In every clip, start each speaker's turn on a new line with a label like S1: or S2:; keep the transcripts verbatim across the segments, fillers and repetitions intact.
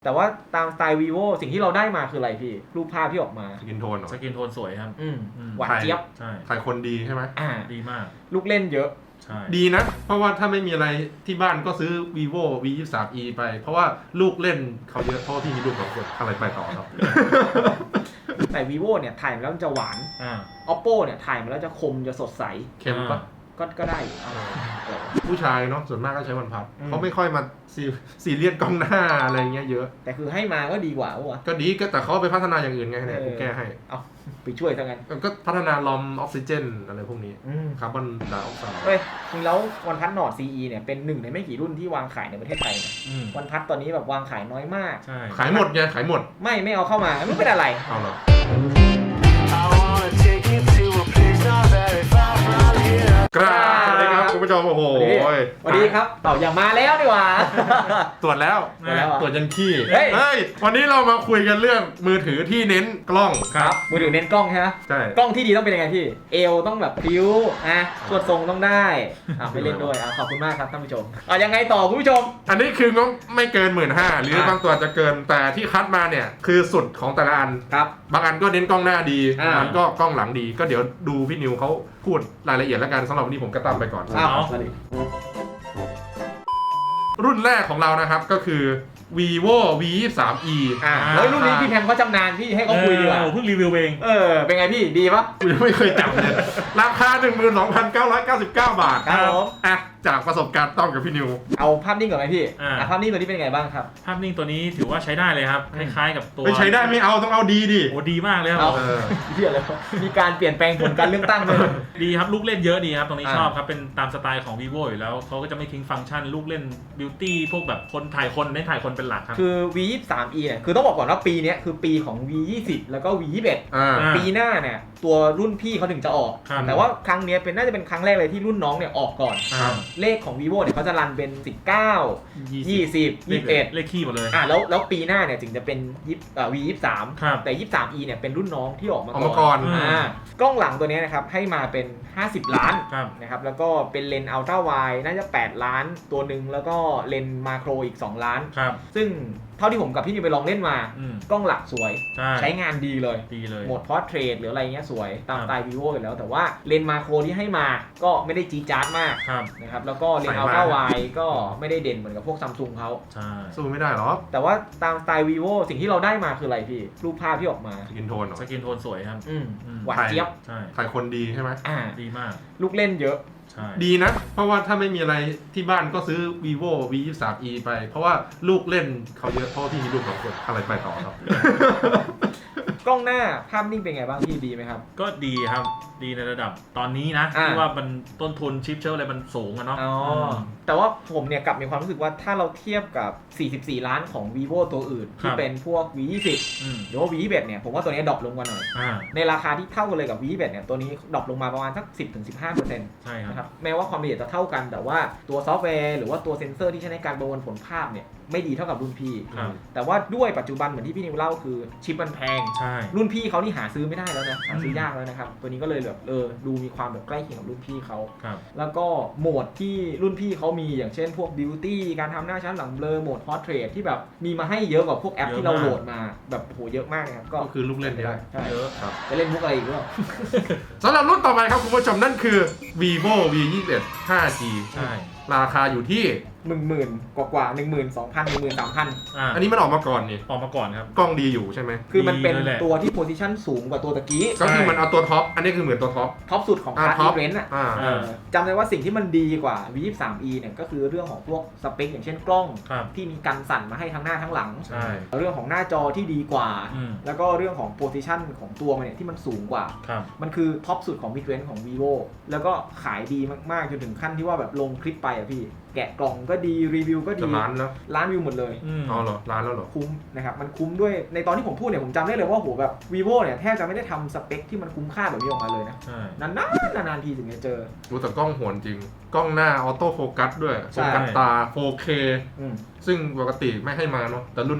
S1: แต่ว่าตามสไตล์ vivo สิ่งที่เราได้มาคืออะไรพี่รูปภาพที่ออกมา
S2: สกินโทนเหรอ
S3: สกินโทนสวยครับ
S1: อืมหวานเจี๊ยบ
S3: ใช่
S2: ถ่ายคนดีใช่ไหม
S1: อ่า
S3: ดีมาก
S1: ลูกเล่นเยอะ
S3: ใช่
S2: ดีนะเพราะว่าถ้าไม่มีอะไรที่บ้านก็ซื้อ vivo วี ยี่สิบสาม อี ไปเพราะว่าลูกเล่นเขาเยอะเพราะพี่มีลูกสองคนอะไรไปต่อครับ
S1: แต่ vivo เนี่ยถ่ายมาแล้วมันจะหวาน
S3: อ่า
S1: oppo เนี่ยถ่ายมาแล้วจะคมจะสดใส
S2: เค็มปะ
S1: ก็ก็ได้
S2: ผู้ชายเนาะส่วนมากก็ใช้วันพัดเขาไม่ค่อยมาซีซีเรียสกล้องหน้าอะไรเงี้ยเยอะ
S1: แต่คือให้มาก็ดีกว่าวะ
S2: ก็ดีก็แต่เขาไปพัฒนาอย่างอื่นไงเนี่ยกูแก้ให้
S1: เอาไปช่วยซะงั้น
S2: ก็พัฒนาลอมออกซิเจนอะไรพวกนี้คาร์บอนไดออกไซด์
S1: เฮ้ยจริงแล้ววันพัดนอร์ด ซี อี เนี่ยเป็นหนึ่งในไม่กี่รุ่นที่วางขายในประเทศไทยนะวันพัดตอนนี้แบบวางขายน้อยมาก
S2: ขายหมดไงขายหมด
S1: ไม่ไม่เอาเข้ามาไม่เป็นอะไร
S2: เอาเหรอกราบสวัสดีครับคุณผู้ชมโอ้โห
S1: สวัสดีครับเต่าอย่ามาแล้วดีกว่า
S2: ตรวจแล้วตรวจยันขี้เฮ้ยวันนี้เรามาคุยกันเรื่องมือถือที่เน้นกล้อง
S1: ครับมือถือเน้นกล้องใช่ไหม
S2: ใช่
S1: กล้องที่ดีต้องเป็นยังไงพี่เอวต้องแบบพิ้วอ่ะสวดทรงต้องได้อ่ะไปเล่นด้วยอ่ะขอบคุณมากครับท่านผู้ชมอ่ะยังไงต่อคุณผู้ชม
S2: อันนี้คืองบไม่เกินหมื่นห้าหรือบางตัวจะเกินแต่ที่คัดมาเนี่ยคือสุดของแต่ละอัน
S1: ครับ
S2: บางอันก็เน้นกล้องหน้าดีบางอันก็กล้องหลังดีก็เดี๋ยวดูพี่นิวเขาพูดรายละเอียดแล้วกันสำหรับวันนี้ผมก็ตามไปก่อนรุ่นแรกของเรานะครับก็คือ vivo วี ยี่สิบสาม อี
S1: อ่าแล้วรุ่นนี้พี่แพมเขาจำนานพี่ให้เขาคุยดีกว่า
S3: เพิ่งรีวิวเอง
S1: เออเป็นไงพี่ดีปะ
S2: กูยังไม่เคยจับเลยราคา หนึ่งหมื่นสองพันเก้าร้อยเก้าสิบเก้า บาท
S1: ครับผม
S2: อ่ะจากประสบการณ์ต้องกับพี่นิว
S1: เอาภาพนิ่งก่อนไหมพี่อ่าภาพนิ่งตัวนี้เป็นไงบ้างครับ
S3: ภาพนิ่งตัวนี้ถือว่าใช้ได้เลยครับคล้ายๆกับตัว
S2: ไม่ใช้ได้ไม่เอาต้องเอาดีดิ
S3: โอ้ดีมากเลยครับ
S1: เออเหี้ยแล้วมีการเปลี่ยนแปลงผลการเลือกตั้งเลย
S3: ดีครับลูกเล่นเยอะดีครับตรงนี้ชอบครับเป็นตามสไตล์ของ vivo อยู่แล้วเขาก็จะไม่ทิ้งฟังก์ชันลูกเล่นบิวตี้พวกแบบคนถ่ายคนในถ่ายคนเป็นหลักครับ
S1: คือ วี ยี่สิบสาม อี เนี่ยคือต้องบอกก่อนว่าปีนี้คือปีของ วี ยี่สิบ แล้วก็ วี ยี่สิบเอ็ด ปีหน้าเนี่ยตัวรุ่นพี่เขาถึงจะออกแต่ว่าครั้งนี้เป็นน่าจะเป็นครั้งแรกเลยที่รุ่นน้องเนี่ยออกก่อนเลขของ vivo เนี่ยเขาจะรันเป็นสิบเก้า ยี่สิบ ยี่สิบเอ็ด
S3: เลขคี่หมดเลย
S1: อ่ะแล้วแล้วปีหน้าเนี่ยถึงจะเป็นอ่า วี ยี่สิบสาม แต่ ยี่สิบสาม อี เนี่ยเป็นรุ่นน้องที่ออกมา
S2: ก่อน
S1: อ่ากล้องหลังตัวนี้นะครับให้มาเป็นห้าสิบล้านนะครับแล้วก็เป็นเลนส์อัลตร้าไวด์น่าจะแปดล้านตัวหนึ่งแล้วก็เลนส์มาโครอีกสองล้านซึ่งเท่าที่ผมกับพี่นิวไปลองเล่นมากล้องหลักสวยใช้งานดีเลย
S3: ดีเลย
S1: โหมดพอร์เทรตหรืออะไรเงี้ยสวยตามสไตล์ vivo อยู่แล้วแต่ว่าเลนส์มาโครที่ให้มาก็ไม่ได้จี๊ดจ๊าดมากนะครับแล้วก็เลนส์อัลตร้าไวด์ก็ไม่ได้เด่นเหมือนกับพวกซัมซุงเขา
S2: สู้ไม่ได้หรอ
S1: แต่ว่าตามสไตล์ vivo สิ่งที่เราได้มาคืออะไรพี่รูปภาพที่ออกมา
S2: สกินโทน
S3: สกินโทนสวยครับ
S1: หวานเจี๊ยบ
S2: ถ่ายคนดีใช่ไหม
S1: อ่า
S3: ดีมาก
S1: ลูกเล่นเยอะ
S2: ดีนะเพราะว่าถ้าไม่มีอะไรที่บ้านก็ซื้อ vivo วี ยี่สิบสาม อี ไปเพราะว่าลูกเล่นเขาเยอะเพราะพี่มีลูกสองคนอะไรไปต่อครับ
S1: กล้องหน้าภาพนิ่งเป็นไงบ้างพี่ดีไหมครับ
S3: ก็ดีครับดีในระดับตอนนี้นะที่ว่ามันต้นทุนชิปเชลอะไรมันสูงอะเนาะ
S1: แต่ว่าผมเนี่ยกลับมีความรู้สึกว่าถ้าเราเทียบกับสี่สิบสี่ล้านของ vivo ตัวอื่นที่เป็นพวก วี ยี่สิบ หรือว่า วี ยี่สิบเอ็ด เนี่ยผมว่าตัวนี้ดรอปลงกว่าหน่อยในราคาที่เท่ากันเลยกับ วี ยี่สิบเอ็ด เนี่ยตัวนี้ดรอปลงมาประมาณสัก สิบถึงสิบห้าเปอร์เซ็นต์
S3: ใช่ครับ
S1: แม้ว่าความละเอียดจะเท่ากันแต่ว่าตัวซอฟต์แวร์หรือว่าตัวเซ็นเซอร์ที่ใช้ในการประมวลผลภาพเนี่ยไม่ดีเท่ากับรุ่นพี่แต่ว่าด้วยปัจจุบันเหมือนที่พี่นิวเล่าคือชิปมันแพงรุ่นพี่เขานี่หาซื้อไม่ได้แล้วนะหาซื้อยากแล้วนะครับตัวนี้ก็เลยแบบเออดูมีความแบบใกล้เคียงกับรุ่นพี่เขาแล้วก็โหมดที่รุ่นพี่เขามีอย่างเช่นพวกบิวตี้การทำหน้าชั้นหลังเบลอโหมดพอร์เทรตที่แบบมีมาให้เยอะกว่าพวกแอปที่เราโหลดมาแบบโหเยอะมากนะครับ
S2: ก็คือลูกเล่นเยอะ
S1: เยอะจะเล่นมุกอะไรอีกหรือเปล่า
S2: สำหรับรุ่นต่อไปครับคุณผู้ชมนั่นคือ vivo วี ยี่สิบเอ็ด ห้าจี
S3: ใช่
S2: ราคาอยู่ที่
S1: หนึ่งหมื่นกว่ากว่าหนึ่งหมื่นสองพันหนึ่งหมื่นสามพัน
S2: อันนี้มันออกมาก่อนนี่
S3: ออกมาก่อนครับ
S2: กล้องดีอยู่ใช่ไหม
S1: คือมันเป็นตัวที่โพซิชันสูงกว่าตัวตะกี้
S2: ก็คือมันเอาตัวท็อปอันนี้คือเหมือนตัวท็อป
S1: ท็อปสุดของคลาสอีเวนต์อ่ะจำได้ว่าสิ่งที่มันดีกว่า วี ยี่สิบสาม อี เนี่ยก็คือเรื่องของพวกสเปคอย่างเช่นกล้องที่มีกันสั่นมาให้ทั้งหน้าทั้งหลังเรื่องของหน้าจอที่ดีกว่าแล้วก็เรื่องของโพซิชันของตัวมันเนี่ยที่มันสูงกว่ามันคือท็อปสุดของมิดเรนจ์ของ vivo แล้วก็ขายดีมากๆจนถึงขั้นที่ว่าแบบลงคลิปไปอ่ะพี่แกะกล่องก็ดีรีวิวก็ดี
S2: ล้านแล้ว
S1: ล้านวิวหมดเลย
S2: อ๋อเหรอล้านแล้วเหรอ
S1: คุ้มนะครับมันคุ้มด้วยในตอนที่ผมพูดเนี่ยผมจำได้เลยว่าโหแบบ vivo เนี่ยแทบจะไม่ได้ทำสเปคที่มันคุ้มค่าแบบนี้ออกมาเลยนะนานๆนานๆทีถึงจะเจอ
S2: รู้แต่กล้องโหดจริงกล้องหน้าออโต้โฟกัสด้วยโฟกัสตา โฟร์เค ซึ่งปกติไม่ให้มาเนาะแต่รุ่นนี้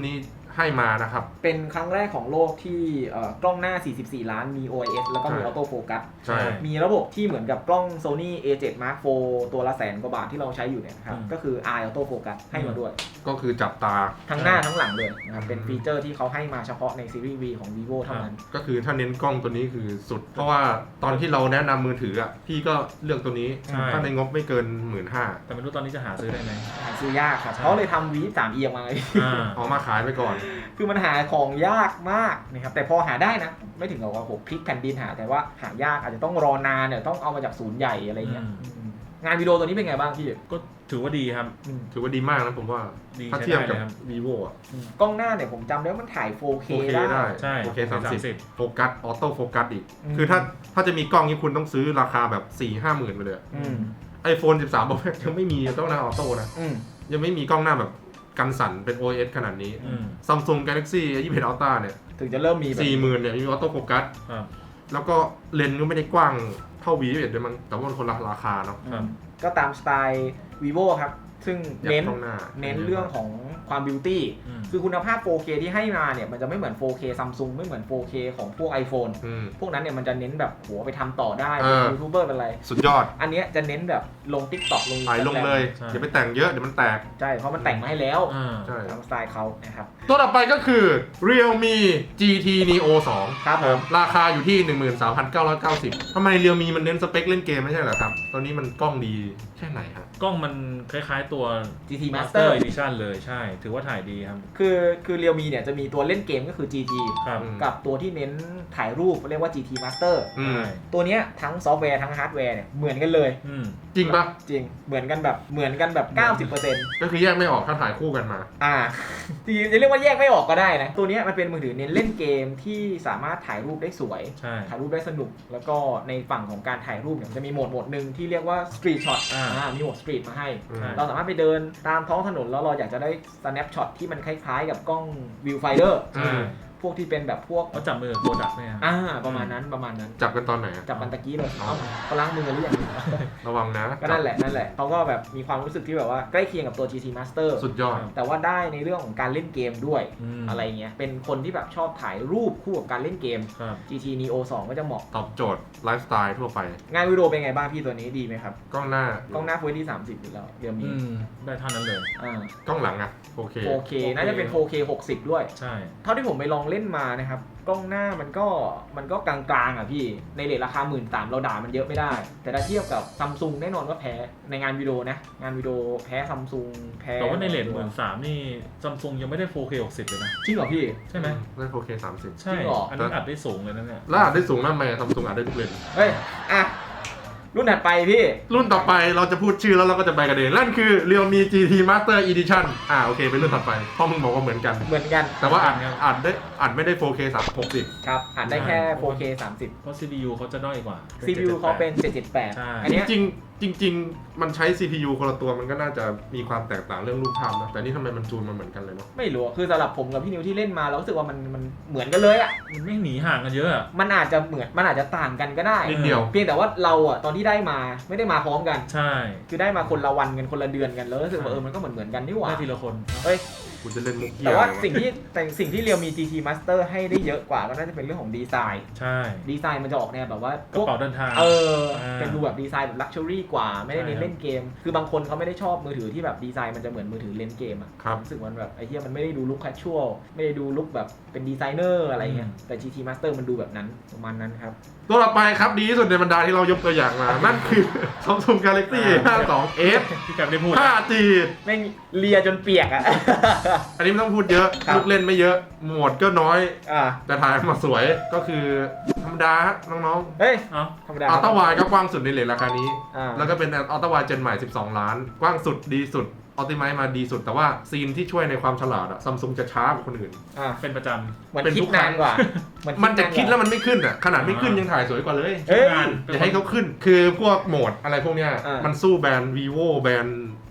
S2: ให้มานะครับ
S1: เป็นครั้งแรกของโลกที่เอ่อกล้องหน้าสี่สิบสี่ล้านมี โอ ไอ เอส แล้วก็มีออโต้โฟกัส
S2: ใช่
S1: มีระบบที่เหมือนกับกล้อง Sony เอ เซเว่น Mark โฟร์ ตัวละแสนกว่าบาทที่เราใช้อยู่เนี่ยนะครับ
S3: อืม
S1: ก็คือ Eye Auto Focus ให้มาด้วย
S2: ก็คือจับตา
S1: ทั้งหน้าทั้งหลังเลยนะครับเป็นฟีเจอร์ที่เขาให้มาเฉพาะในซีรีส์ V ของ vivo เท่านั้น
S2: ก็คือถ้าเน้นกล้องตัวนี้คือสุด เพราะว่าตอนที่เราแนะนำมือถืออ่ะพี่ก็เลือกตัวนี้
S3: ใช่
S2: ถ้าในงบไม่เกินหมื่นห้า
S3: แต่ไม่รู้ตอนนี้จะหาซื้อได้ไหม
S1: หาซื้อยากครับ
S3: ใช่
S1: เขาเลยทำ วี สาม อี ออกมาเลย
S3: อ่า
S2: เอามาขายไปก่อน
S1: คือมันหาของยากมากนะครับแต่พอหาได้นะ ไม่ถึงกับว่าผมพลิกแผ่นดินหาแต่ว่าหายากอาจจะต้องรอนานเนี่ยต้องเอามาจากศูนย์ใหญ่อะไรเงี้ย
S3: อืม
S1: อืมงานวิดีโอตัวนี้เป็นไงบ้างพี่
S3: ก็ถือว่าดีครับ
S1: อืม
S2: ถือว่าดีมากนะผมว่า
S3: ดี
S2: ถ้า
S3: ใช้
S2: เทียบ
S3: ได้
S2: กั
S3: เล
S2: บ
S3: ยครับ
S2: vivo อ่ะ
S1: อืมกล้องหน้าเนี่ยผมจำได้ว่ามันถ่าย โฟร์เค
S2: โอเค
S1: ได้
S2: ได้
S3: ใช่
S2: โอเคสามสิบ
S3: สามสิบ
S2: โฟกัสออโต้โฟกัสอีก
S1: อืม
S2: คือถ้าถ้าจะมีกล้องนี้คุณต้องซื้อราคาแบบสี่ห้าหมื่นไปเลย
S1: อืม
S2: ไอโฟนสิบสาม Pro Max ยังไม่มีกล้องหน้าออโต้นะ
S1: อืม
S2: ยังไม่มีกล้องหน้าแบบกันสั่นเป็น โอ เอส ขนาดนี้
S3: อืม
S2: Samsung Galaxy ยี่สิบเอ็ด Ultra เนี่ย
S1: ถึงจะเริ่มมีแบบ
S2: สี่หมื่นเนี่ยมีออโต้โฟกัส
S3: ครับ
S2: แล้วก็เลนส์ก็ไม่ได้กว้างเท่า วี ยี่สิบเอ็ด ด้วยมั้งแต่ว่ามันคนละราคาเนาะ
S3: ครับ
S1: ก็ตามสไตล์ vivo ครับ ซึ่ง
S2: อยาก
S1: เน้น
S2: กล้องหน้า
S1: เน้นเรื่องของความบิวตี้
S3: อืม
S1: คือคุณภาพ โฟร์เค ที่ให้มาเนี่ยมันจะไม่เหมือน โฟร์เค Samsung ไม่เหมือน โฟร์เค ของพวก iPhone
S2: อืม
S1: พวกนั้นเนี่ยมันจะเน้นแบบโหไปทำต่อได้
S2: เอ
S1: เป็น
S2: อ
S1: ยูทูบเบอร์เป็นอะไร
S2: สุดยอด
S1: อันเนี้ยจะเน้นแบบลง TikTok ลง
S2: ถ่ายลง
S1: Instagram
S2: เลย
S3: ใช่
S2: อย่าไปแต่งเยอะเดี๋ยวมันแตก
S1: ใช่ เพราะมันแต่งมาให้แล้ว
S3: อ่า
S2: ใช่
S1: ตามสไตล์เขานะครับ
S2: ตัวต่อไปก็คือ Realme จี ที Neo สอง
S1: ครับผม
S2: ราคาอยู่ที่ หนึ่งหมื่นสามพันเก้าร้อยเก้าสิบ ทำไม Realme มันเน้นสเปคเล่นเกมไม่ใช่เหรอครับ ตัวนี้มันกล้องดีแค่ไหนครับ
S3: กล้องมันคล้ายๆตัว
S1: จี ที
S3: Master
S1: Master
S3: Edition เลยใช่ ถือว่าถ่ายดีครับ
S1: คือคือ Realme เนี่ยจะมีตัวเล่นเกมก็คือ จี ที
S3: ครับ
S2: อืม
S1: กับตัวที่เน้นถ่ายรูปเรียกว่า จี ที Master
S2: อืม
S3: ใช่
S1: ตัวเนี้ยทั้งซอฟต์แวร์ทั้งฮาร์ดแวร์เนี่ยเหมือนกันเลย
S3: อืม
S2: จริงปะ
S1: จริงเหมือนกันแบบเหมือนกันแบบ เก้าสิบเปอร์เซ็นต์
S2: ก็คือแยกไม่ออกถ้าถ่ายคู่กันมา
S1: อ่าจริงๆจะเรียกว่าแยกไม่ออกก็ได้นะ ตัวเนี้ยมันเป็นมือถือเน้นเล่นเกมที่สามารถถ่ายรูปได้สวย
S3: ใช่
S1: ถ่ายรูปได้สนุก แล้วก็ในฝั่งของการถ่ายรูปเนี่ยมันจะมีโหมดโหมดหนึ่งที่เรียกว่า Street Shot
S3: อ่า
S1: อ่ามีโหมด Street มาให้
S2: อืม
S3: ใช่
S1: เราสามารถไปเดินตามท้องถนนแล้วเราอยากจะได้ snapshot ที่มันคล้ายๆกับกล้อง viewfinder
S3: ใช่
S1: พวกที่เป็นแบบพวก
S3: เขาจับมือกับโกดักเนี่ยครับ
S1: อ่าประมาณนั้นประมาณนั้น
S2: จับกันตอนไหนอะ
S1: จับมันตะกี้เลย
S2: อ๋อ
S1: เอ้าเขาล้างมือหรือยัง
S2: ระวังนะ
S1: ก็นั่นแหละนั่นแหละเขาก็แบบมีความรู้สึกที่แบบว่าใกล้เคียงกับตัว จี ที Master
S2: สุดยอด
S1: แต่ว่าได้ในเรื่องของการเล่นเกมด้วย
S3: อืม
S1: อะไรเงี้ยเป็นคนที่แบบชอบถ่ายรูปคู่กับการเล่นเกม
S3: ครับ
S1: จี ที Neo สองก็จะเหมาะ
S2: ตอบโจทย์ไลฟ์สไตล์ทั่วไป
S1: งานวิดีโอเป็นไงบ้างพี่ตัวนี้ดีไหมครับ
S2: กล้องหน้าก
S1: ล้องหน้า Full เอช ดี สามสิบอยู่แล้วเดี๋ยวมี
S3: อืมได้เท่านั้นเลย
S1: อ่าก
S2: ล้องหลังอะโอเค
S1: โฟร์เค น่าจะเป็น โฟร์เค หกสิบด้วย
S3: ใช่
S1: เท่าที่ผมไปลองเล่นมานะครับ กล้องหน้ามันก็มันก็กลางๆอ่ะพี่ในเรทราคาหมื่นสามเราด่ามันเยอะไม่ได้ แต่ถ้าเทียบกับซัมซุงแน่นอนว่าแพ้ในงานวิดีโอนะ งานวิดีโอแพ้ซัมซุงแพ้
S3: แต่ว่าในเลทหมื่นสามนี่ซัมซุงยังไม่ได้ โฟร์เค หกสิบเลยนะ
S1: จริงเหรอพี่
S3: ใช่ไหม
S2: ได้ โฟร์เค สามสิบ
S3: ใช่
S1: จริงเหรออั
S3: อันนี้อัดได้สูงเลยนะเนี่ย
S2: แล้วอาจได้สูงมากไหมซัมซุงอาจได้ทุกเลน
S1: เฮ้ย อ่ะ รุ่นถัดไปพี่
S2: รุ่นต่อไปเราจะพูดชื่อแล้วเราก็จะไปกันเองนั่นคือ Realme จี ที Master Edition อ่าโอเคเป็นรุ่นต่อไปเพราะมึงบอกว่าเหมือนกัน
S1: เหมือนกัน
S2: แต่ว่าอัดอัดได้อัดไม่ได้ โฟร์เค สามหกสิบ
S1: ครับอ่านได้แค่ โฟร์เค สามสิบ
S3: เพราะ ซี พี ยู เขาจะด้อยกว่า
S1: ซี พี ยู เขาเป็น เจ็ดเจ็ดแปด
S3: ใช่
S1: อันเนี้ย
S2: จริงๆจริง ๆ มันใช้ ซี พี ยู คนละตัวมันก็น่าจะมีความแตกต่างเรื่องรูปภาพนะแต่นี่ทำไมมันจูนมาเหมือนกันเลยเนาะ
S1: ไม่รู้อะคือสำหรับผมกับพี่นิวที่เล่นมาเรารู้สึกว่ามันมันเหมือนกันเลยอ่ะ
S3: มันไม่หนีห่างกันเยอะอะ
S1: มันอาจจะเหมือนมันอาจจะต่างกันก็ได้
S2: นิดเดียว
S1: เพียงแต่ว่าเราอ่ะตอนที่ได้มาไม่ได้มาพร้อมกัน
S3: ใช่
S1: คือได้มาคนละวันกันคนละเดือนกันแล้วรู้สึกว่าเออมันก็เหมือนเหมือนกันนี่หว่า
S3: ได้ทีละคน
S1: เอ้ย
S2: กูจะเล่นมุกเกีย
S1: แต่ว่า
S2: อะไรวะ
S1: สิ่งที่แต่สิ่งที่เรียวมี จี ที Master ให้ได้เยอะกว่าก็น่าจะเป็นเรื่องของดีไซน์
S3: ใช่
S1: ดีไซน์มันจะออกแนวแบบว่าก
S3: ระเป๋าเดินทาง
S1: เออ
S3: อ่า
S1: เป็นดูแบบดีไซน์แบบลักชัวรี่กว่าไม่ได้เน้น
S3: ใช่
S1: เล่นเกม คือบางคนเขาไม่ได้ชอบมือถือที่แบบดีไซน์มันจะเหมือนมือถือเล่นเกมอะ
S2: ครับ
S1: รู้สึกมันแบบไอ้เหี้ยมันไม่ได้ดูลุคแคชชวลไม่ได้ดูลุคแบบเป็นดีไซเนอร์อะไรเงี้ยแต่ จี ที Master มันดูแบบนั้นประมาณนั้นครับ
S2: ตัวต่อไปครับดีที่สุดในบรรดาที่เรายกตัวอย่างมา นั่นคือ Samsung Galaxy ห้าสิบสอง เอฟ
S3: ที่กลับได้พูด
S2: ไฟว์ จี
S1: แม่งเลียจนเปียกอะ
S2: อันนี้ไม่ต้องพูดเยอะ
S1: ครับ
S2: ลูกเล่นไม่เยอะ โหมดก็น้อย
S1: อ่า
S2: แต่ถ่ายมาสวยก็คือธรรมดาฮะน้อง
S1: เฮ้ย
S3: เอ้า
S1: ธรรมดา
S2: ๆอัลต้าวายก็กว้างสุดในเลทราคานี้
S1: อ่า
S2: แล้วก็เป็นอัลต้าวายเจนใหม่ สิบสอง ล้าน กว้างสุดดีสุดอัลติไมซ์มาดีสุด แต่ว่าซีนที่ช่วยในความฉลาดอะซัมซุงจะช้ากว่าคนอื่น
S1: อ่า
S3: เป็นประจ
S1: เหมือน
S2: เป็น
S1: คิ
S2: ทุ
S1: ด
S2: กครั้
S1: นาง นกว่าเห
S2: มันจะคิดแล้ว
S1: น
S2: มันไม่ขึ้นอะขนาดไม่ขึ้นยังถ่ายสวยกว่าเลย
S1: เอ้ย
S3: งาน
S2: อย่าให้เขาขึ้น คือพวกโหมดอะไรพวกเนี้ย
S1: อ่ามั
S2: มันสู้แบรนด์ vivo แบรนด์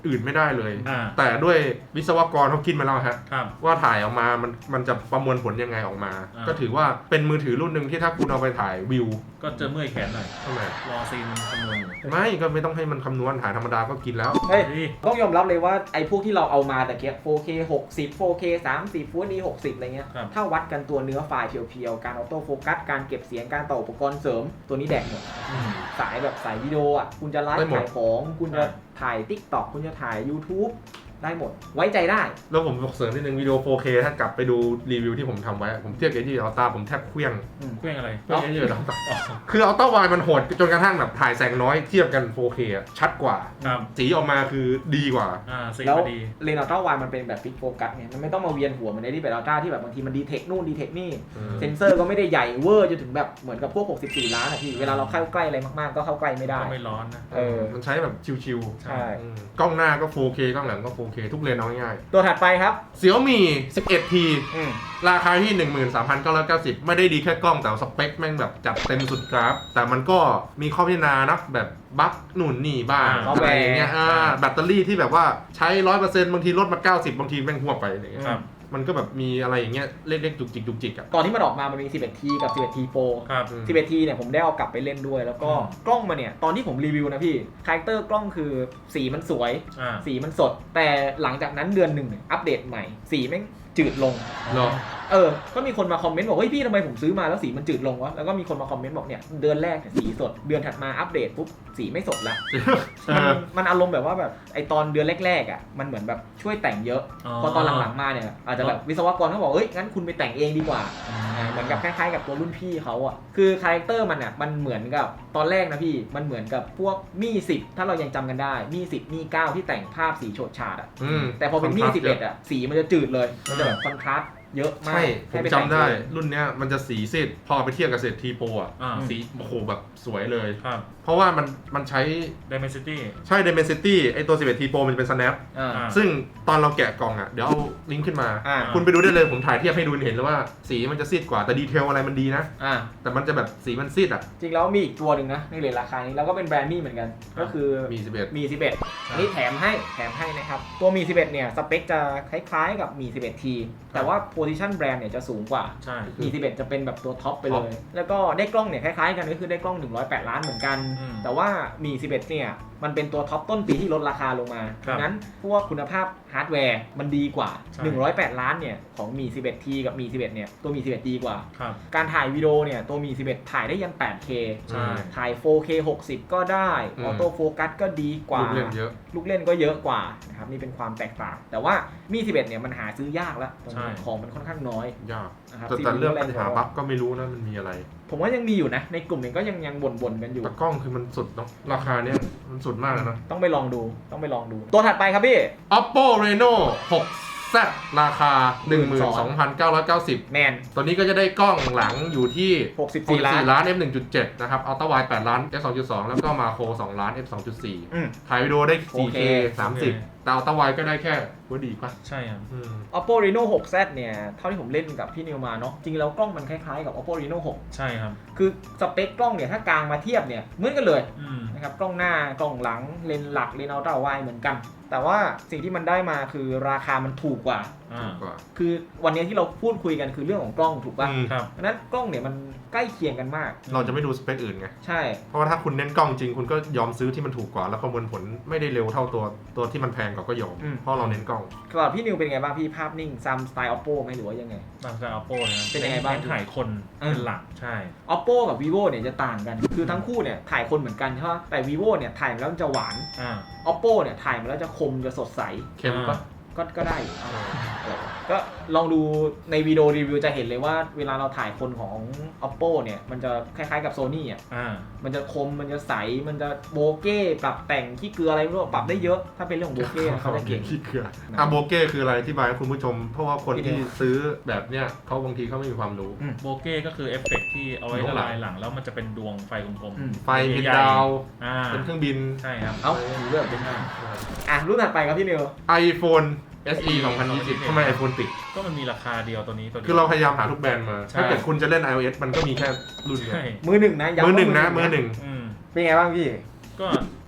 S2: อื่นไม่ได้เลย
S3: อ่า
S2: แต่ด้วยวิศวกรเขาคิดมาแล้วฮะ
S3: ครับ
S2: ว่าถ่ายออกมามันมันจะประมวลผลยังไงออกมา
S3: อ่า
S2: ก็ถือว่าเป็นมือถือรุ่นหนึ่งที่ถ้าคุณเอาไปถ่ายวิว
S3: ก็จะเมื่อยแขนหน่อย
S2: ทำไม
S3: รอซีนคำนวณอยู่
S2: ไม่ก็ไม่ต้องให้มันคำนวณถ่ายธรรมดาก็กินแล้ว
S1: เฮ้ย
S3: เฮ้ย
S1: ต้องยอมรับเลยว่าไอ้พวกที่เราเอามาแต่เกีย โฟร์เค หกสิบ โฟร์เค สามสิบ Full เอช ดี หกสิบอะไรเงี้ย
S3: ครับ
S1: ถ้าวัดกันตัวเนื้อไฟล์เพียวๆการออโต้โฟกัสการเก็บเสียงการต่ออุปกรณ์เสริมตัวนี้แดกหมด
S3: อืม
S1: สายแบบสายวิดีโออ่ะคุณจะไล
S2: ได้
S1: ฟ์
S2: หมด
S1: ขายของคุณจะ
S3: ใช่
S1: ถ่าย TikTok คุณจะถ่าย YouTube ได้หมด ไว้ใจได้
S2: แล้วผมบอกเสริมนิดนึงวิดีโอ โฟร์เค ถ้ากลับไปดูรีวิวที่ผมทำไว้ ผมเทียบกับที่อัลต้าผมแทบเคลี้ยง
S3: เครื่องอะไร
S2: เคลี้ยงเยอะๆคืออัลต้าวายมันโหดจนกระทั่งแบบถ่ายแสงน้อยเทียบกัน โฟร์เค อะชัดกว่า
S3: ครับ
S2: สีออกมาคือดีกว่า
S3: อ่าซี
S1: แล้ว
S3: พอดี
S1: เลนส์อัลตร้าไวด์มันเป็นแบบฟิกโฟกัสไงมันไม่ต้องมาเวียนหัวเหมือนในที่เป็นอัลตร้าที่แบบบางทีมันดีเทคนู่นดีเทคนี่
S2: อืม
S1: เซนเซอร์ก็ไม่ได้ใหญ่เวอร์จนถึงแบบเหมือนกับพวกหกสิบสี่ล้านอะพี่เวลาเราเข้าใกล้อะไรมากๆก็เข้าใกล้ไม่ได้
S3: ก็ไม่ร้อนนะ
S1: เออ
S2: มันใช้แบบชิว
S1: ใช่
S2: ๆอืมกล้องหน้าก็ โฟร์เค กล้องหลังก็ โฟร์เค ทุกเลนเอาง่าย
S1: ตัวถัดไปครับ
S2: ๆ Xiaomi สิบเอ็ด ที
S1: อืม
S2: ราคาที่ หนึ่งหมื่นสามพันเก้าร้อยเก้าสิบ ไม่ได้ดีแค่กล้องแต่สเปคแม่งแบบจัดเต็มสุดกราฟ แต่มันก็มีข้อพิจารณานะแบบบั๊กหนุนนี่บ้าง
S3: อ่า
S2: อะไรอย่างเงี้ยอ่า
S3: ใช่
S2: แบตเตอรี่ที่แบบว่าใช้ ร้อยเปอร์เซ็นต์ บางทีลดมา เก้าสิบ บางทีแม่งหัวไปอะไรอย่างเงี้ย
S3: ครับ
S2: มันก็แบบมีอะไรอย่างเงี้ยเล็กๆจุกจิกจุกจิกอ่ะ
S1: ตอนที่มันออกมามันมี สิบเอ็ด ที กับ สิบเอ็ด ที โปร
S3: ครับ
S2: อืม
S1: สิบเอ็ด ที เนี่ยผมได้เอากลับไปเล่นด้วย แล้วก็
S3: อืม
S1: กล้องมาเนี่ย ตอนที่ผมรีวิวนะพี่คาแรคเตอร์กล้องคือสีมันสวย
S3: อ่า
S1: สีมันสด แต่หลังจากนั้นเดือนหนึ่งเนี่ยอัปเดตใหม่ สีแม่งจืดลง
S2: เหรอ
S1: เออ ก็มีคนมาคอมเมนต์บอกเฮ้ยพี่ทำไมผมซื้อมาแล้วสีมันจืดลงวะ แล้วก็มีคนมาคอมเมนต์บอกเนี่ยเดือนแรกเนี่ยสีสด เดือนถัดมาอัปเดตปุ๊บสีไม่สดละ
S2: เอ
S1: มัน
S2: อ
S1: มันอารมณ์แบบว่าแบบไอตอนเดือนแรกๆอ่ะมันเหมือนแบบช่วยแต่งเยอะ พอตอนหลังๆมาเนี่ยอาจจะแบบวิศวกรเขาบอกเอ้ยงั้นคุณไปแต่งเองดีกว่า
S3: อืม
S1: อ่าเหมือนกับคล้ายๆกับตัวรุ่นพี่เขาอ่ะคือคาแรคเตอร์มันอ่ะมันเหมือนกับตอนแรกนะพี่มันเหมือนกับพวกมี่สิบถ้าเรายังจำกันได้มี่สิบมี่เก้าที่แต่งภาพสีโฉดฉาดอ่ะ
S2: อืม
S1: แต่พอเป็นมี่สิบเอ็ดอ่ะสีมันจะจืดเลยมันจะแบบคอนทราสต์เยอะมาก
S2: ใช่ ผม
S1: ให้ป
S2: จำ
S1: แต่ง
S2: ได้
S1: เอง
S2: รุ่นเนี้ยมันจะสีซีดพอไปเทียบกับเศษทีโปรอ่ะ
S3: อ่า
S2: สีโอ้โหแบบสวยเลย
S3: ครับ
S2: เพราะว่ามันมันใช้
S3: Dimensity
S2: ใช่ Dimensity ไอตัว สิบเอ็ด ที Pro มันเป็น snap
S1: อ่า
S3: อ่า
S2: ซึ่งตอนเราแกะกล่องอ่ะ เดี๋ยวเอาลิงก์ขึ้นมา
S1: อ่า
S2: คุณไปดูได้เลยผมถ่ายเทียบให้ดูเห็นเลยว่าสีมันจะซีดกว่าแต่ดีเทลอะไรมันดีนะ
S1: อ่า
S2: แต่มันจะแบบสีมันซีดอ่ะ
S1: จริงแล้วมีอีกตัวหนึ่งนะในเลทราคานี้แล้วก็เป็นแบรนด์มี่เหมือนกัน ก็คือ
S2: มี สิบเอ็ด
S1: มีสิบเอ็ดอันนี้แถมให้แถมให้นะครับ ตัวมีสิบเอ็ดเนี่ยสเปคจะคล้ายๆกับมี สิบเอ็ด ที แต่ว่า position brand เนี่ยจะสูงกว่า
S3: ใช่
S1: มี สิบเอ็ด จะเป็นแบบตัวท็อปไปเล
S2: ท็อป
S1: ย แล้วก็ได้กล้องเนี่ยคล้ายๆกันก็คือได้กล้องหนึ่งร้อยแปดล้านเหมือนกัน
S3: อืม
S1: แต่ว่ามี สิบเอ็ด เนี่ยมันเป็นตัวท็อปต้นปีที่ลดราคาลงมา
S3: ครับ
S1: ดังนั้นพวกคุณภาพฮาร์ดแวร์มันดีกว่า
S3: ใช่
S1: หนึ่งร้อยแปดล้านเนี่ยของมี สิบเอ็ด ที กับมี สิบเอ็ด เนี่ยตัวมี สิบเอ็ด ดีกว่า
S3: ครับ
S1: การถ่ายวิดีโอเนี่ยตัวมี สิบเอ็ด ถ่ายได้ยัน แปดเค
S3: ใช่
S1: ถ่าย โฟร์เค หกสิบ ก็ได้ออโต้โฟกัสก็ดีกว่า
S2: ลูกเล่นเยอะ
S1: ลูกเล่นก็เยอะกว่านะครับนี่เป็นความแตกต่าง แต่ว่ามี สิบเอ็ด เนี่ยมันหาซื้อยากแล้วตรงนี้
S3: ใช่
S1: ของมันค่อนข้างน้อย
S2: ยาก
S1: นะครับ
S2: แต่แต่เรื่องปัญหาบั๊กก็ไม่รู้นะมันมีอะไร
S1: ผมว่ายังมีอยู่นะ ในกลุ่มเองก็ยังยังบ่นๆกันอยู่
S2: แต่กล้องคือมันสุดเนาะราคาเนี้ยมันสุดมากเลยนะ
S1: ต้องไปลองดูต้องไปลองดู ตัวถัดไปครับพี่
S2: Oppo Reno หก แซด ราคา หนึ่งหมื่นสองพันเก้าร้อยเก้าสิบ
S1: แมน
S2: ตัวนี้ก็จะได้กล้องหลังอยู่ที่
S1: หกสิบสี่ ล้าน
S2: ล้าน เอฟ หนึ่งจุดเจ็ด นะครับ Ultra Wide แปดล้าน เอฟ สองจุดสอง แล้วก็มาโครสองล้าน เอฟ สองจุดสี่
S1: อืม
S2: ถ่ายวิดีโอได้ โฟร์เค
S1: 4K
S2: สามสิบ แต่ Ultra Wide ก็ได้แค่ว่าดีป่ะ
S3: ใช่ครับ
S2: อืม
S1: Oppo Reno หก แซด เนี่ยเท่าที่ผมเล่นกับพี่นิวมาเนาะจริงแล้วกล้องมันคล้ายๆกับ Oppo Reno หก
S3: ใช่ครับ
S1: คือสเปคกล้องเนี่ยถ้ากลางมาเทียบเนี่ยเหมือนกันเลย
S3: อืม
S1: นะครับกล้องหน้ากล้องหลังเลนส์หลักเลนส์อัลตร้าไวด์เหมือนกัน แต่ว่าสิ่งที่มันได้มาคือราคามันถูกกว่า
S3: อ่า
S2: กว่า
S1: คือวันนี้ที่เราพูดคุยกันคือเรื่องของกล้องถูกป่ะ
S2: อืม
S3: ครับ
S1: ดังนั้นกล้องเนี่ยมันใกล้เคียงกันมาก
S2: เราจะไม่ดูสเปคอื่นไง
S1: ใช่
S2: เพราะว่าถ้าคุณเน้นกล้องจริงคุณก็ยอมซื้อที่มันถูกกว่า แล้วประมวลผลไม่ได้เร็วเท่าตัวตัวที่มันแพงกว่าก็ยอม
S1: อืม
S2: เพราะเราเน้นกล้อง
S1: สำหรับพี่นิวเป็นไงบ้างพี่ภาพนิ่งซัมสไตล์ Oppo ไหมหรือว่ายังไง
S3: ตามสไตล์ Oppo นะครับ
S1: เป็นยังไงบ้าง
S3: เน้ถ่ายคน
S1: เออ
S3: เป็นหลัก ใช่
S1: Oppo กับ vivo เนี่ยจะต่างกัน คือทั้งคู่เนี่ยถ่ายคนเหมือนกันใช่ป่ะแต่ vivo เนี่ยถ่ายมาแล้วมันจะหวาน
S3: อ่า
S1: Oppo เนี่ยถ่ายมาแล้วจะคมจะสดใส
S2: เค็มปะ
S1: ก็ก็ได้อยู่เอาเออก็ลองดูในวิดีโอรีวิวจะเห็นเลยว่าเวลาเราถ่ายคนของ Oppo เนี่ยมันจะคล้ายๆกับ Sony อ่ะ
S3: อ่า
S1: มันจะคมมันจะใสมันจะโบเก้ปรับแต่งขี้เกลืออะไรไม่รู้ปรับได้เยอะถ้าเป็นเรื่องของโบเก้นะเขาจะเก่ง
S2: ขี้เกียจอ่ะโบเก้คืออะไรที่บายให้คุณผู้ชม เพราะว่าคนที่ซื้อแบบเนี้ยเขาบางทีเขาไม่มีความรู้
S3: โบเก้ก็คือเอฟเฟกต์ที่เอาไว้
S2: อยู่ข้างหลั
S3: ละลาง ยหลัง แล้วมันจะเป็นดวงไฟกลม
S1: อืม
S2: ไฟเป็นดาว
S3: ๆอ่า
S2: เป็นเครื่องบิน
S3: ใช่ครับ
S1: เอ้าถือแบบเป็นอ่ะรุ่นถัดไปครับพี่นิว
S2: iPhone เอส อี สองพันยี่สิบทำไม iPhone ติด
S3: ก็มันมีราคาเดียวตัวนี้ตัวนี้
S2: คือเราพยายามหาทุกแบรนด์มา
S3: ใช่
S2: ถ้าเกิดคุณจะเล่น iOS มันก็มีแค่รุ่นเดียว
S3: ใช่
S1: มือหนึ่งนะย้ำ
S2: มือหนึ่ง
S1: ว่า
S2: นะมือหนึ่ง
S3: อืม
S1: เป็นไงบ้างพี่
S3: ก็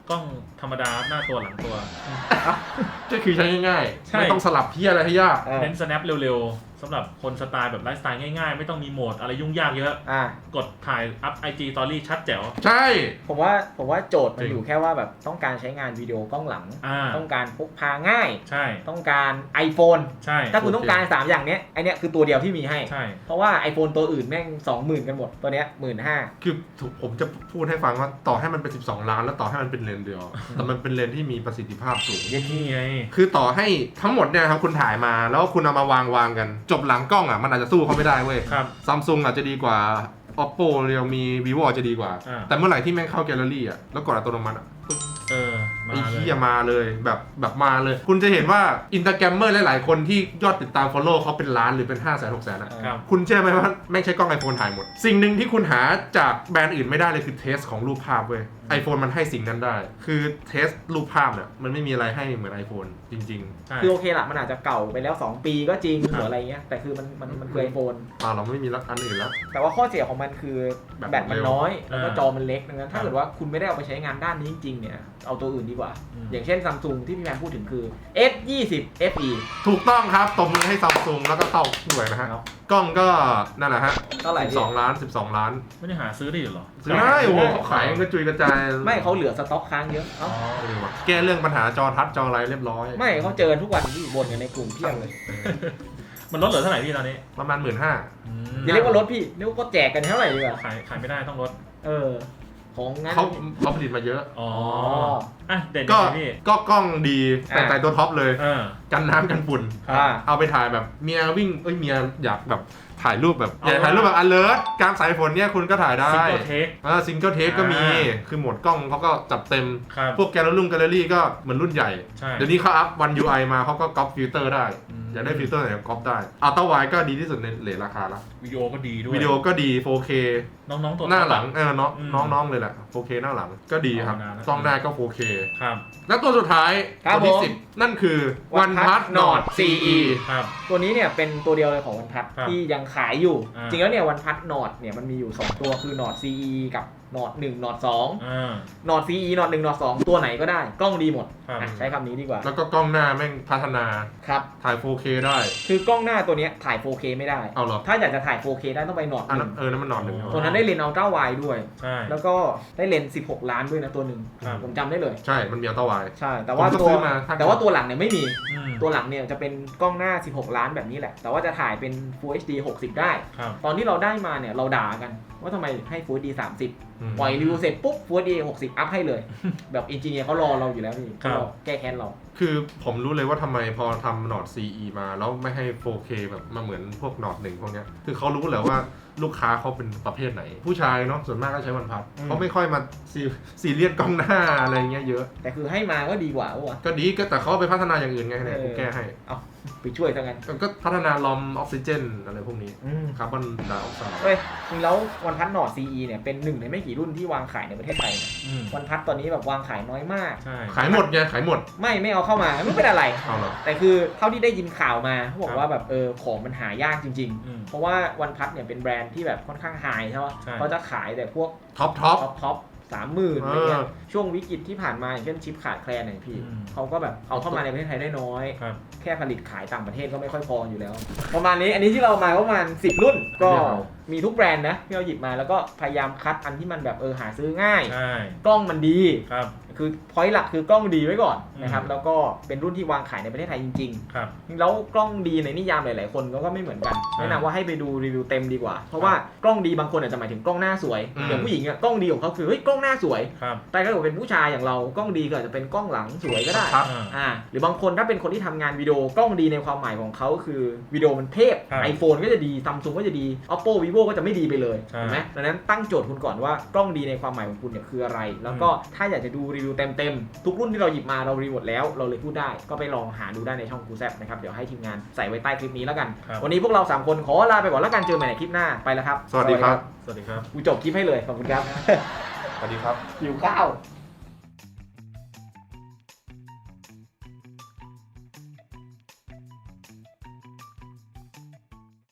S3: กล้องธรรมดาหน้าตัวหลังตัว
S2: ก็คือใช้ง่าย
S3: ใช่
S2: ๆไม่ต้องสลับเพี้ยอะไรให้ยาก
S1: เออ
S3: เน้น snap เร็วๆสำหรับคนสไตล์แบบไลฟ์สไตล์ง่ายๆ ไม่ต้องมีโหมดอะไรยุ่งยากเยอะ
S1: อ่า
S3: กดถ่ายอัพ ไอ จี Story ชัดแจ๋ว
S2: ใช่
S1: ผมว่าผมว่าโจทย์มัน
S2: จริง
S1: อยู่แค่ว่าแบบต้องการใช้งานวิดีโอกล้องหลัง
S3: อ่า
S1: ต้องการพกพาง่าย
S3: ใช่
S1: ต้องการ iPhone
S3: ใช่
S1: ถ้าคุณต้องการสามอย่างเนี้ยไอเนี้ยคือตัวเดียวที่มีให้
S3: ใช่
S1: เพราะว่า iPhone ตัวอื่นแม่ง สองหมื่น กันหมดตัวเนี้ย หนึ่งหมื่นห้าพัน
S2: คือถูกผมจะพูดให้ฟังว่าต่อให้มันเป็นสิบสองล้านแล้วต่อให้มันเป็นเลนส์เดียว แต่มันเป็นเลนส์ที่มีประสิทธิภาพสูง
S3: นี่ไง
S2: คือต่อให้ทั้งหมดเนี่ยครับคุณถ่ายมาแล้วคุณเอามาวางวางกัน จบหลังกล้องอ่ะมันอาจจะสู้เขาไม่ได้เว้ย
S3: ครับ
S2: ซัมซุงอาจจะดีกว่า oppo เรียวมี vivo อาจจะดีกว่า
S3: อ่า
S2: แต่เมื่อไหร่ที่แม่งเข้าแกลเลอรี่อ่ะแล้วกดอัตโนมัติอ่ะ
S3: เออ มา
S2: ไอ้
S3: เลย
S2: เหี้ยมาเลยแบบแบบมาเลย คุณจะเห็นว่าอินสตาแกรมเมอร์หลายๆคนที่ยอดติดตาม follow เขาเป็นล้านหรือเป็นห้าแสนหกแสนอ่ะ
S3: ครับ
S2: คุณเชื่อไหมว่าแม่งใช้กล้อง iPhone ถ่ายหมด สิ่งหนึ่งที่คุณหาจากแบรนด์อื่นไม่ได้เลยคือเทสของรูปภาพเว้ย iPhone มันให้สิ่งนั้นได้ คือเทสรูปภาพเนี่ยมันไม่มีอะไรให้เหมือน iPhone จริง
S3: ใช่
S1: คือโอเคละมันอาจจะเก่าไปแล้ว สอง ปีก็จริง
S3: ครับ
S1: หรืออะไรเงี้ยแต่คือมันมันมันคือ iPhone
S2: ๆอ่าเราไม่มีอันอื่นแล้ว
S1: แต่ว่าข้อเสียของมันคือ
S2: แบต
S1: แบตมันน้อย แล้วก็
S3: อ่า
S1: จอมันเล็กดังนั้นถ้าเกิดว่าคุณไม่ได้เอาไปใช้งานด้านนี้จริงๆเนี่ยเอาตัวอื่นดีกว่า
S3: อืม
S1: อย่างเช่น Samsung ที่พี่แมนพูดถึงคือ เอส ยี่สิบ เอฟ อี
S2: ถูกต้องครับตบมือให้ซัมซุงแล้วก็เข้าด้วยนะฮะ
S1: ครับ
S2: กล้องก็นั่นแหละฮะ
S1: เท่าไหร่
S2: สิบ
S1: พี่
S2: สองล้านสิบสองล้าน
S3: ไม่ได้หาซื้อได้อยู่เหรอ
S2: ซื้อได้โอ้โหเขาขายกระจุยกระจาย
S1: ไม่เขาเหลือสต็อกค้างเยอะ
S3: อ๋
S1: เอ้า
S3: อ
S2: เออว่ะแก้เรื่องปัญหาจอทัชจออะไรเรียบร้อย
S1: ไม่เขาเจอทุกวันที่บ่นกันในกลุ่มเพียบเลย
S3: มันลดเหลือเท่าไหร่พี่ตอนนี้
S2: ประมาณหมื่นห้า
S3: อืม
S1: อย่าเรียกว่ารถพี่เรียกว่าก็แจกกันเท่าไหร่ดีกว่า
S3: ขายขายไม่ได้ต้องลด
S1: เออ ของงั้น
S2: เขาเขาผลิตมาเยอะ
S3: อ๋อ
S1: อ๋อ
S3: อ่ะเด่น
S2: ก็
S3: ยังไงพี่
S2: ก็กล้องดีแต่
S1: อ่า
S2: แต่ตัวท็อปเลย
S3: เออ
S2: กันน้ำกันฝุ่น
S1: อ่า
S2: เอาไปถ่ายแบบเมียวิ่งเอ้ยเมียอยากแบบถ่ายรูปแบบ
S3: เอา
S2: อยากถ่ายรูปแบบอันเลิศกลางสายฝนเนี่ยคุณก็ถ่ายได้
S3: ซิงเกิลเทค
S2: อ่าซิงเกิลเทคก็มี
S3: อ่า
S2: คือโหมดกล้องเขาก็จัดเต็ม
S3: ครับ
S2: พวกแกลเลอรี่แกลเลอรี่ก็เหมือนรุ่นใหญ่
S3: ใช่
S2: เดี๋ยวนี้เขาอัพวัน ยู ไอ มาเขาก็ก๊อปฟิลเตอร์ได้
S3: อืม
S2: อยากได้ฟิลเตอร์ไหนก็ก๊อปได้อัลต้าไวก็ดีที่สุดในเรทราคาละ
S3: วิดีโอก็ดีด้วย
S2: วิดีโอก็ดี โฟร์เค
S3: น้องๆตัว
S2: หน้าหลัง
S3: ท็อป
S2: เออน้อง
S3: อืม
S2: น้องๆเลยแหละ โฟร์เค หน้าหลังก็ดีครับ
S3: เอานานแล้ว
S2: กล้องหน้าก็ โฟร์เค
S3: ครับ
S2: แล้วตัวสุดท้าย
S1: ครับ
S2: ตัวที่
S1: ผม
S2: สิบนั่นคือ
S1: OnePlus
S2: OnePlus Nord ซี อี
S3: ครับ
S1: ตัวนี้เนี่ยเป็นตัวเดียวเลยของวันพัท
S3: ครับ
S1: ที่ยังขายอยู่
S3: อ่า
S1: จริงแล้วเนี่ยวันพัทนอร์ดเนี่ยมันมีอยู่ สอง ตัวคือ Nord ซี อี กับ Nord หนึ่ง Nord สอง
S3: อ่า
S1: Nord ซี อี Nord หนึ่ง Nord สองตัวไหนก็ได้ กล้องดีหมด
S3: ครับ
S1: อ่ะใช้คำนี้ดีกว่า
S2: แล้วก็กล้องหน้าแม่งพัฒนา
S1: ครับ
S2: ถ่าย โฟร์เค ได้
S1: คือกล้องหน้าตัวเนี้ยถ่าย โฟร์เค ไม่ได้
S2: เอาเหรอ
S1: ถ้าอยากจะถ่าย โฟร์เค ได้ต้องไป Nord
S2: อัน
S1: ห
S2: นั้
S1: นึ่
S2: น
S1: ง
S2: เออนั่นมันนอนหนึ่ง
S3: อ๋อ
S1: ตัวนั้นได้เลนส์อัลตร้าไวด์ด้วย
S3: ใช่
S1: แล้วก็ได้เลนส์สิบหกล้านด้วยนะตัวหนึ่ง
S3: ครับ
S1: ผมจำได้เลย
S2: ใช่มันมีอัลต้าไว
S1: ใช่ แต่ว่า
S2: ผมก็
S1: ตัว
S2: ซื้อมาถ้า
S1: แต่ว่าตัวหลังเนี่ยไม่มี
S3: อืม
S1: ตัวหลังเนี่ยจะเป็นกล้องหน้าสิบหกล้านแบบนี้แหละ แต่ว่าจะถ่ายเป็น Full เอช ดี หกสิบ ได้
S3: ครับ
S1: ตอนที่เราได้มาเนี่ยเราด่ากันว่าทำไมให้ Full เอช ดี สามสิบ
S2: อืม
S1: ปล่อยรีวิวเสร็จปุ๊บ Full เอช ดี หกสิบ อัพให้เลย แบบอินจิเนียร์เขารอเราอยู่แล้วนี่
S3: ครับ
S1: เขารอแก้แค้นเรา
S2: คือผมรู้เลยว่าทำไมพอทำ Nord ซี อี มาแล้วไม่ให้ โฟร์เค แบบมาเหมือนพวก Nord หนึ่งพวกเนี้ยคือเขารู้แหละว่าลูกค้าเขาเป็นประเภทไหน ผู้ชายเนาะส่วนมากก็ใช้วันพัด
S1: อืม
S2: เขาไม่ค่อยมาซีซีเรียสกล้องหน้าอะไรเงี้ยเยอะ
S1: แต่คือให้มาก็ดีกว่าว่ะ
S2: ก็ดีก็แต่เขาเอาไปพัฒนาอย่างอื่นไงเนี่ย
S1: เออ
S2: กูแก้ให้
S1: เอาไปช่วยซะงั้น
S2: ก็พัฒนาลอมออกซิเจนอะไรพวกนี้
S1: อืม
S2: คาร์บอนไดออกไซด์
S1: เฮ้ยจริงแล้ววันพัทนอร์ด ซี อี เนี่ยเป็นหนึ่งในไม่กี่รุ่นที่วางขายในประเทศไทยนะ
S3: อืม
S1: วันพัทตอนนี้แบบวางขายน้อยมาก
S3: ใช่
S2: ขายหมดไงขายหมด
S1: ไม่ไม่เอาเข้ามาไม่เป็นอะไร
S2: เอาเหรอ
S1: แต่คือเท่าที่ได้ยินข่าวมาเขาบอ
S3: ครั
S1: ก
S3: บ
S1: ว่าแบบเออของมันหายากจริง
S3: อืม
S1: ๆ เพราะว่าวันพัทเนี่ยเป็นแบรนด์ที่แบบค่อนข้างไฮใช่ไหม
S3: ใช่
S1: เขาจะขายแต่พวก
S2: ท็อปท็อป
S1: ท็อปท็อปสามหมื่นอะไรเงี้ย
S2: เออ
S1: ช่วงวิกฤตที่ผ่านมาอย่างเช่นชิปขาดแคลนเนี่ยพี่
S3: อืม
S1: เขาก็แบบเอาเข้ามาในประเทศไทยได้น้อย
S3: ครับ
S1: แค่ผลิตขายต่างประเทศก็ไม่ค่อยพออยู่แล้ว ประมาณนี้อันนี้ที่เรามาก็ประมาณสิบรุ่นก็มีทุกแบรนด์นะที่เราหยิบมาแล้วก็พยายามคัดอันที่มันแบบเออหาซื้อง่าย
S3: ใช่
S1: กล้องมันดี
S3: ครับ
S1: คือพอยต์หลักคือกล้องดีไว้ก่อนนะครับ
S3: อืม
S1: แล้วก็เป็นรุ่นที่วางขายในประเทศไทยจริง
S3: ครับ
S1: ๆ แล้วกล้องดีในนิยามหลายๆคนก็ไม่เหมือนกัน
S3: ใช่
S1: แนะนำว่าให้ไปดูรีวิวเต็มดีกว่า เพราะว่ากล้องดีบางคนอาจจะหมายถึงกล้องหน้าสวย
S2: อืม
S1: อย่างผู้หญิงอะกล้องดีของเขาคือเฮ้ยกล้องหน้าสวย
S3: ครับ
S1: แต่ถ้าเกิดเป็นผู้ชายอย่างเรากล้องดีก็อาจจะเป็นกล้องหลังสวยก็ได้
S2: ครับ
S3: อ่า
S1: อ่าหรือบางคนถ้าเป็นคนที่ทำงานวิดีโอกล้องดีในความหมายของเขาคือวิดีโอมันเทพ
S3: ครับ
S1: iPhone ก็จะดี Samsung ก็จะดี Oppo Vivo ก็จะไม่ดีไปเลย
S3: ใช่
S1: เห็นไหมดังนั้นตั้งโจทย์คุณก่อนว่ากล้องดีในความหมายของคุณเนี่ยคืออะไร แล้วก็ถ้าอยากจะดูรีวิวเต็มๆทุกรุ่นที่เราหยิบมาเรารีวิวหมดแล้วเราเลยพูดได้ก็ไปลองหาดูได้ในช่องกูแซบนะครับเดี๋ยวให้ทีมงานใส่ไว้ใต้คลิปนี้แล้วกัน
S3: ครับ
S1: วันนี้พวกเราสามคนขอลาไปก่อนแล้วกันเจอใหม่ในคลิปหน้าไปแล้วครับ
S2: สวัสดีครับ
S3: สวัสดีครับ
S1: กูจบคลิปให้เลยขอบคุณครับ
S2: สวัสดีครับ
S1: หิวข้าว